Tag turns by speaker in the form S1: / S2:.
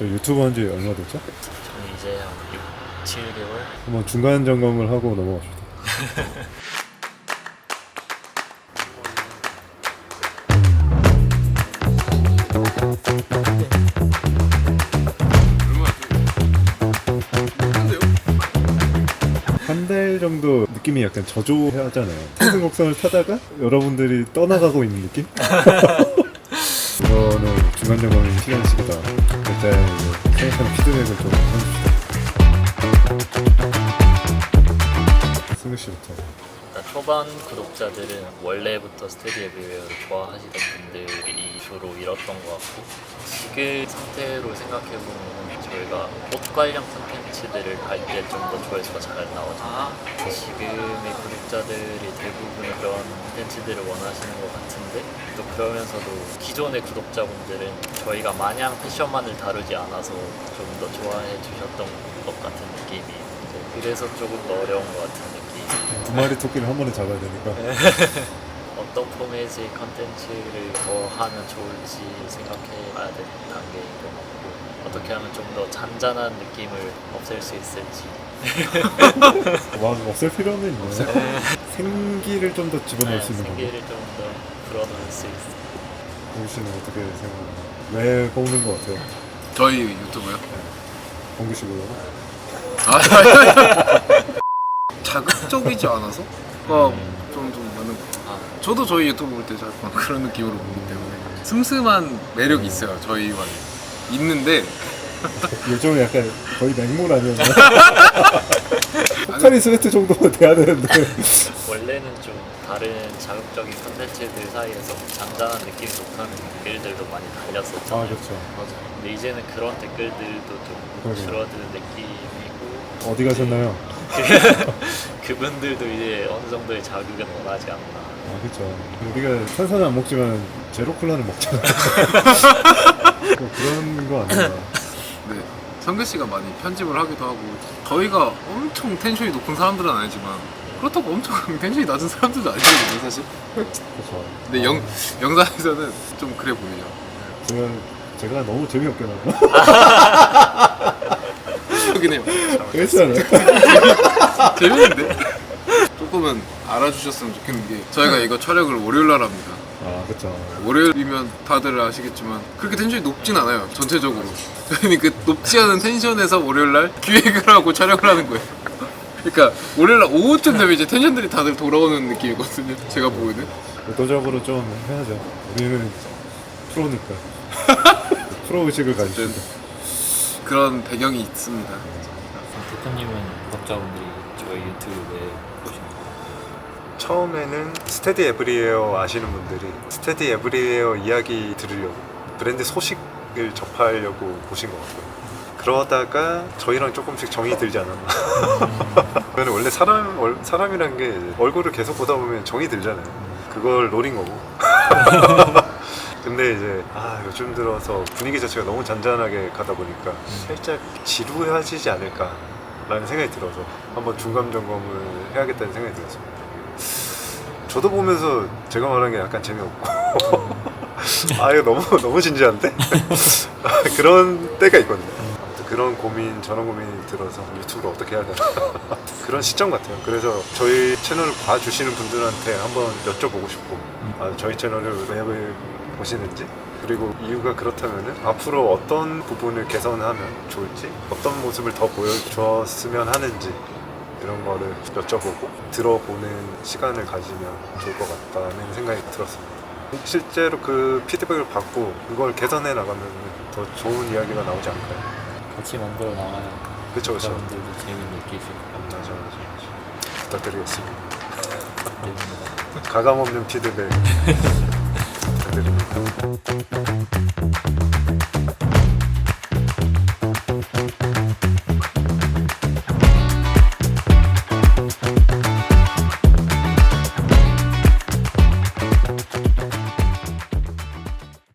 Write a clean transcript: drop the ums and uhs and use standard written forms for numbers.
S1: 저 유튜브 한 지 얼마 됐죠?
S2: 저는 이제 한 6, 7개월?
S1: 한번 중간 점검을 하고 넘어갑시다. 한 달 정도 느낌이 약간 저조하잖아요. 상승곡선을 타다가 여러분들이 떠나가고 있는 느낌? 이거는 중간 점검이 필요한 시기다. 일단 생각하는 피드백을 좀 해줍시다. 승우 씨부터.
S2: 일단 초반 구독자들은 원래부터 스테디 에브리웨어를 좋아하시던 분들이 주로 잃었던 것 같고, 지금 상태로 생각해보면 저희가 옷 관련 콘텐츠들을 할 때 좀 더 조회수가 잘 나오잖아요. 지금의 구독자들이 대부분 그런 콘텐츠들을 원하시는 것 같은데, 또 그러면서도 기존의 구독자분들은 저희가 마냥 패션만을 다루지 않아서 좀 더 좋아해 주셨던 것 같은 느낌이, 그래서 조금 더 어려운 것 같은 느낌.
S1: 두 마리 토끼를 한 번에 잡아야 되니까.
S2: 어떤 포맷의 컨텐츠를 더 하면 좋을지 생각해 봐야 되는 단계인 것 같고, 어떻게 하면 좀 더 잔잔한 느낌을 없앨 수 있을지.
S1: 와, 없앨 필요는 있네. 생기를 좀 더 집어넣을 수 있는 거고.
S2: 생기를 좀 더 불어넣을 수 있어.
S1: 봉 씨는 어떻게 생각하나요? 왜 뽑는 것 같아요?
S3: 저희 유튜브요?
S1: 봉규 씨 보려고?
S3: 자극적이지 않아서? 좀 많은 것 같아요. 저도 저희 유튜브 볼 때 자꾸 그런 느낌으로 보기 때문에 슴슴한 매력이 있어요, 저희만의. 있는데
S1: 요즘 약간 거의 맹물 아니었나? 포카리 스웨트 정도는 돼야 되는데.
S2: 원래는 좀 다른 자극적인 컨텐츠들 사이에서 잔잔한 느낌이 좋다는 댓글들도 많이 달렸었잖아요.
S1: 아, 그렇죠.
S2: 맞아요. 근데 이제는 그런 댓글들도 좀
S1: 그러게요.
S2: 줄어드는 느낌이고,
S1: 어디 가셨나요?
S2: 그분들도 이제 어느 정도의 자극은 원하지 않나.
S1: 아, 그렇죠. 우리가 탄산은 안 먹지만 제로 콜라는 먹잖아. 뭐 그런 거 아닌가.
S3: 네, 성규 씨가 많이 편집을 하기도 하고, 저희가 엄청 텐션이 높은 사람들은 아니지만 그렇다고 엄청 텐션이 낮은 사람들도 아니거든요, 사실.
S1: 그렇죠.
S3: 근데 영상에서는 좀 그래 보이죠.
S1: 제가 너무 재미없게 나왔나?
S3: 그긴 해요.
S1: 그랬잖아요.
S3: 재밌는데? 조금은 알아주셨으면 좋겠는 게, 저희가 이거 촬영을 월요일날 합니다.
S1: 아, 그렇죠.
S3: 월요일이면 다들 아시겠지만 그렇게 텐션이 높진 않아요, 전체적으로. 저희는 그 높지 않은 텐션에서 월요일날 기획을 하고 촬영을 하는 거예요. 그러니까 월요일날 오후쯤 되면 이제 텐션들이 다들 돌아오는 느낌이거든요, 제가 보기에는.
S1: 의도적으로 좀 해야죠. 우리는 프로니까. 프로 의식을 가지고.
S3: 그런 배경이 있습니다.
S2: 대표님은 구독자분들이 저희 유튜브 왜 보시나요?
S4: 처음에는 스테디 에브리웨어 아시는 분들이 스테디 에브리웨어 이야기 들으려고, 브랜드 소식을 접하려고 보신 것 같고요. 그러다가 저희랑 조금씩 정이 들지 않았나. 저는 원래 사람이란 게 얼굴을 계속 보다 보면 정이 들잖아요. 그걸 노린 거고. 근데 이제 요즘 들어서 분위기 자체가 너무 잔잔하게 가다 보니까 살짝 지루해지지 않을까 라는 생각이 들어서 한번 중간 점검을 해야겠다는 생각이 들었습니다. 저도 보면서 제가 말한 게 약간 재미없고 이거 너무 진지한데? 그런 때가 있거든요. 아무튼 그런 고민, 저런 고민이 들어서 유튜브를 어떻게 해야 되나 그런 시점 같아요. 그래서 저희 채널을 봐주시는 분들한테 한번 여쭤보고 싶고, 저희 채널을 왜 보시는지, 그리고 이유가 그렇다면 앞으로 어떤 부분을 개선하면 좋을지, 어떤 모습을 더 보여주었으면 하는지, 이런 거를 여쭤보고 들어보는 시간을 가지면 좋을 것 같다는 생각이 들었습니다. 실제로 그 피드백을 받고 그걸 개선해 나가면 더 좋은 이야기가 나오지 않을까요?
S2: 같이 만들어 나가야
S4: 그쵸.
S2: 구독자분들도 재미를 느끼시고.
S4: 맞아. 부탁드리겠습니다. 가감 없는 피드백 부탁드립니다.